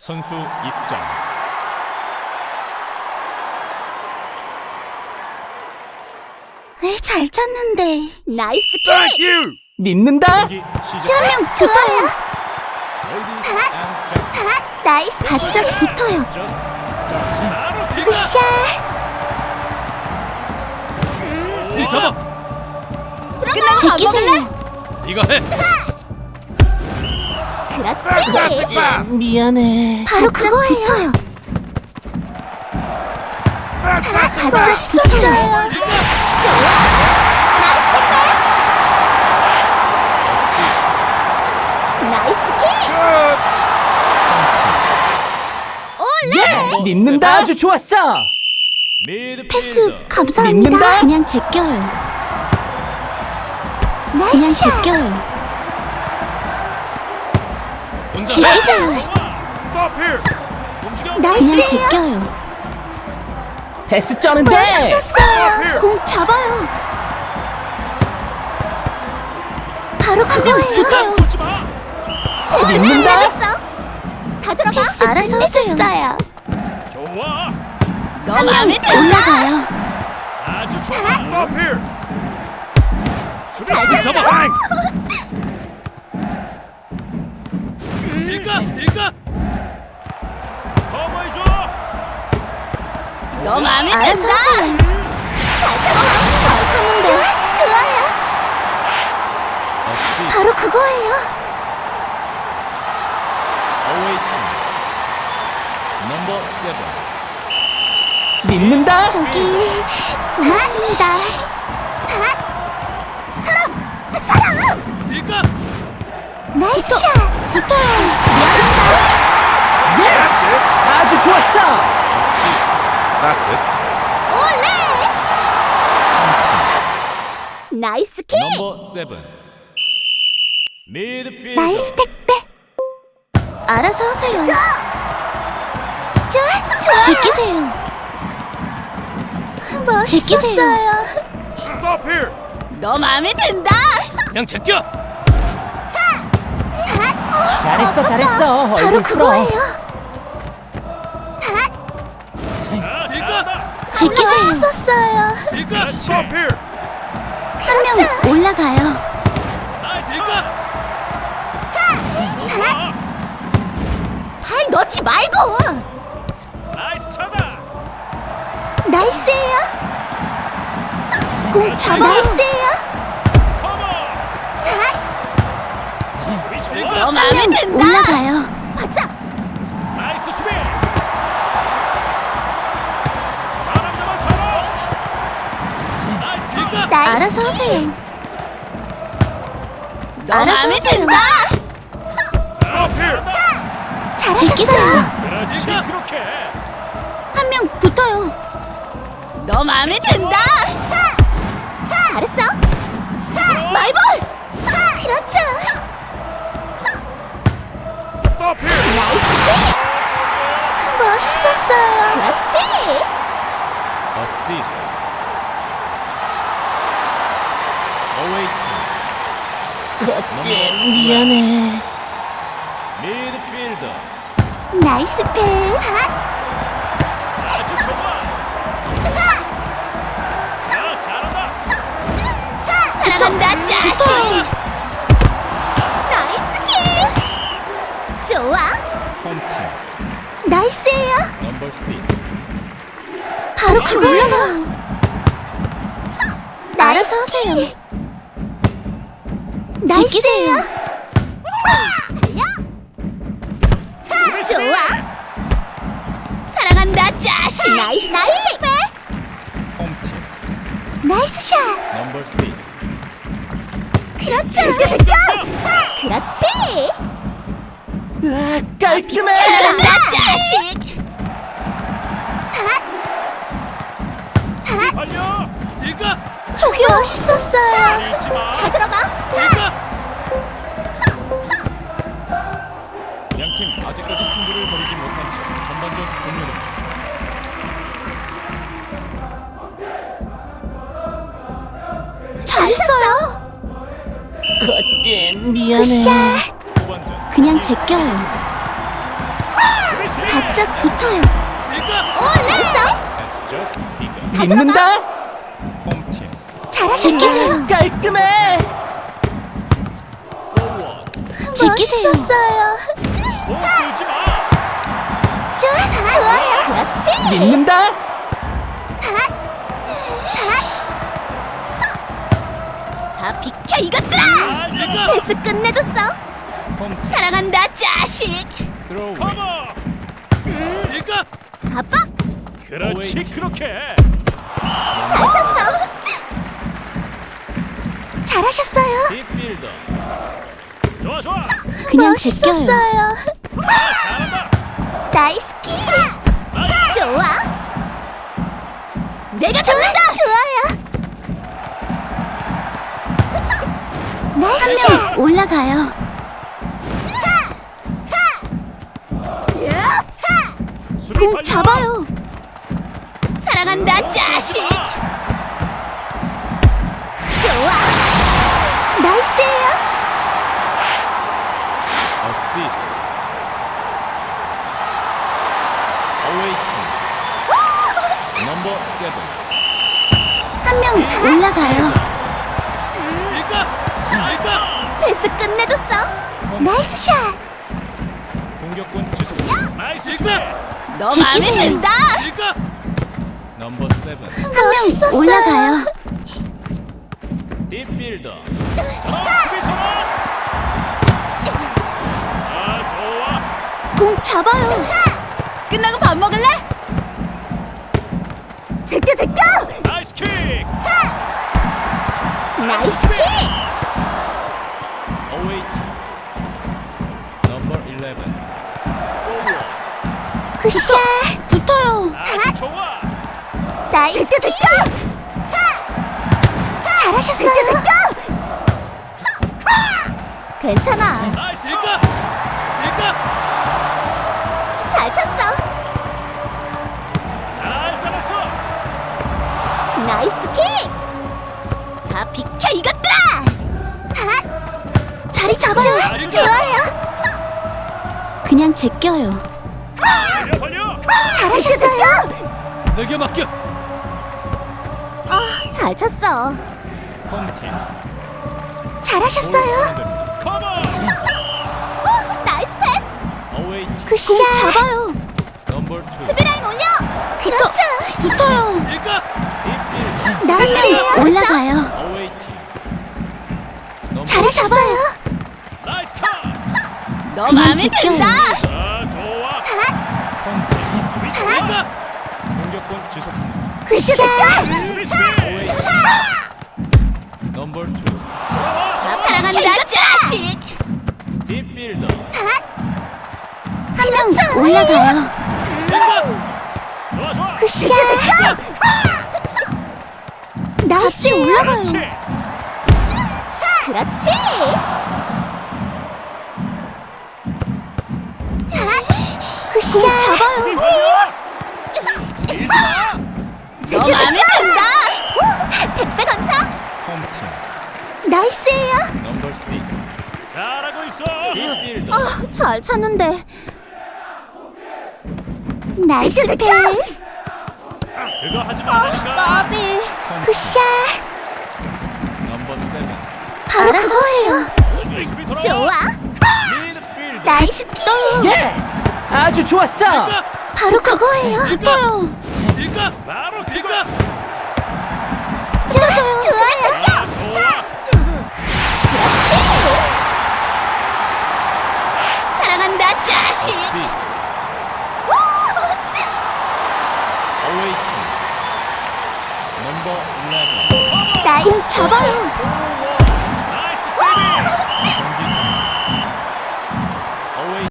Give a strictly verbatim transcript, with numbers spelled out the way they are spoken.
선수 입장. 에, 잘 쳤는데. 나이스 Thank 킥! you! 믿는다. 경기 시작. 주명 좋아요. Ladies and gentlemen, 하, 나이스. 바짝 붙어요. just start. 바로 킥! 굿샷. 힐 잡아. 제끼세요. 네가 해. Fantastic 그렇지. pass! 미안해. 바로 그거예요. 붙어요. Fantastic 바짝 pass! 붙었어요. 나이스 킥. Good! 예, 믿는다. 아주 좋았어. 미드필더. 패스 감사합니다. 믿는다? 그냥 제껴요. 그냥 제껴요. 혼자 제끼세요. Stop here! 움직여. 그냥 제껴요. 패스 쩌는데. 멋있었어요. 공 잡아요. 바로 그거예요. 붙어요. 붙지 마. 믿는다. 다 들어가. 패스 알아서 하세요. 좋아. 한 명 올라가요. 아주 좋아. Stop here! 수비수 잡아. Thanks! 딜까 딜까. 커버해줘. 너 마음에 든다. 잘 쳤는데. 좋아요. 어시스트. 바로 그거예요. 어웨이팅. 넘버 세븐. 믿는다. 저기 고맙습니다. 사람! 사람! 딜까. 나이스 샷! 붙어요. 예. 아주 좋았어. That's it. 올레! 나이스 킥! 넘버 세븐. 미드필더. 나이스 택배. 알아서 하세요. 좋아, 좋아. 제끼세요. 멋있었어요. Stop here! 너 마음에 든다. 그냥 제껴. 잘했어, 잘했어. 바로 얼굴 풀어. 그거예요. 아, 딜까. 제끼 멋있었어요. 딜까. Stop here! 한 명 올라가요. 아, 딜까. 발 넣지 말고. 나이스 차다. 나이스예요. 공 잡아. 나이스예요. 커버. 수비 좋아. 너 마음에 든다. 올라가요. 바짝. 나이스 수비. 사람 잡아 사람. 나이스 딜까. 알아서 하세요. 너 마음에 든다. Stop here! 잘하셨어요. 그렇지 그렇게. 한 명 붙어요. 너 마음에 든다. 잘했어. 마이볼. 그렇죠. Stop here! 나이스. 멋있었어요. 그렇지. 어시스트. 어웨이팅. 예, 미안해. 미드필더. 나이스 패스. 아주 좋아. 야, 잘한다. 사랑한다 자식. 나이스 킥. 좋아. 홈팀. 나이스예요. 넘버 식스. 바로 그거 올라가. 알아서 하세요. 나이스예요. 달려. 좋아. 사랑한다 자식. 나이스 킥. 홈팀. 나이스 샷. 넘버 식스. 그렇지. 제껴. 그렇지. 아, 깔끔해. 사랑한다 자식. 달려. 딜까. 저기 멋있었어요. 잊지 마. 다 들어가. 딜까. 양팀 아직까지 승부를 벌이지 못한 채 전반전 종료됩니다. 잘했어요. 예, 미안해. 굿샷. 후반전. 그냥 제껴요. 바짝 붙어요. 오, 잘했어. Has just begun. 믿는다. 홈팀 잘하셨어요. 깔끔해. forward. 멋있었어요. 공 끌지 마. 좋아, 좋아요. 그렇지. 믿는다. 다 비켜 이것들아. 아, 지금. 패스 끝내줬어. 홈팀 사랑한다 자식. throw Come away. on. 이거. 아빠 그렇지 그렇게. 잘 쳤어. 잘하셨어요. 딥필더. 좋아 좋아. 그냥 제껴요. 아, 잘한다. 나이스 키. 나이스. 좋아. 내가 잡는다. 좋아요. 나이스. 한 명 올라가요. 수비 공 발려. 잡아요. 사랑한다 자식. 좋아. 나이스예요. Assist. Awaken. Number seven. 한 명 올라가요. 이거. 이거. 패스 끝내줬어. 나이스 샷. 공격권 지속. 나이스 스텝. 너 마음에 든다. 이거. Number seven. 한 명 올라가요. 딥필더. 어, 수비 전환. 아, 좋아. 공 잡아요. 끝나고 밥 먹을래? 제껴 제껴. 나이스 킥. 나이스 킥. Awaken. Number eleven. Forward. 굿샷. 붙어요. 아주 좋아. 나이스 제껴 제껴. 잘하셨어요. 제껴 제껴. 괜찮아. 나이스 이거. 이거. 잘 쳤어. 잘 잡았어. 나이스 킥. 다 비켜 이것들아. 핫. 자리 잡아요. 좋아요. 그냥 제껴요. 벌려 벌려. 잘하셨어요. 내게 맡겨. 아, 잘 쳤어. 홈팀. 잘하셨어요. 컴온. 오, 나이스 패스. Awaken. 굿샷. 공 잡아요. Number two. 수비라인 올려. 그렇죠. 붙어요. 이거. 딥필더. 나이스. 올라가요. Awaken. Number 잘하셨어요. 나이스 컷. 너 마음에 든다. 아, 좋아. 홈팀. 수비 좋아. 공격권 지속. 굿샷. 수비 수비. Awaken. Number two. 사랑한다 자식. 딥필더. 한 명 올라가요. 이거. 좋아 좋아. 굿샷. 나이스 올라가요. 그렇지. 그렇지. 굿샷. 잡아요. 수비 벌려. 밀지 마. 너 마음에 든다. 택배 감사. 홈팀. 나이스예요. Number six. 잘하고 있어. 딥필더. 아, 잘 찼는데. 나이스 패스. 그거 하지 말라니까. 까비. 굿샷. Number seven. 바로 그거예요. 수비 돌아. 좋아. 미드필더. 나이스 또. 예스. 아주 좋았어. 이거. 바로 그거예요. 또요. 이거. 바로 이거. 좋아요. 좋아요. 아, 좋아. 사랑한다 자식. Assist. Awaken. Number eleven. 나이스 잡아요.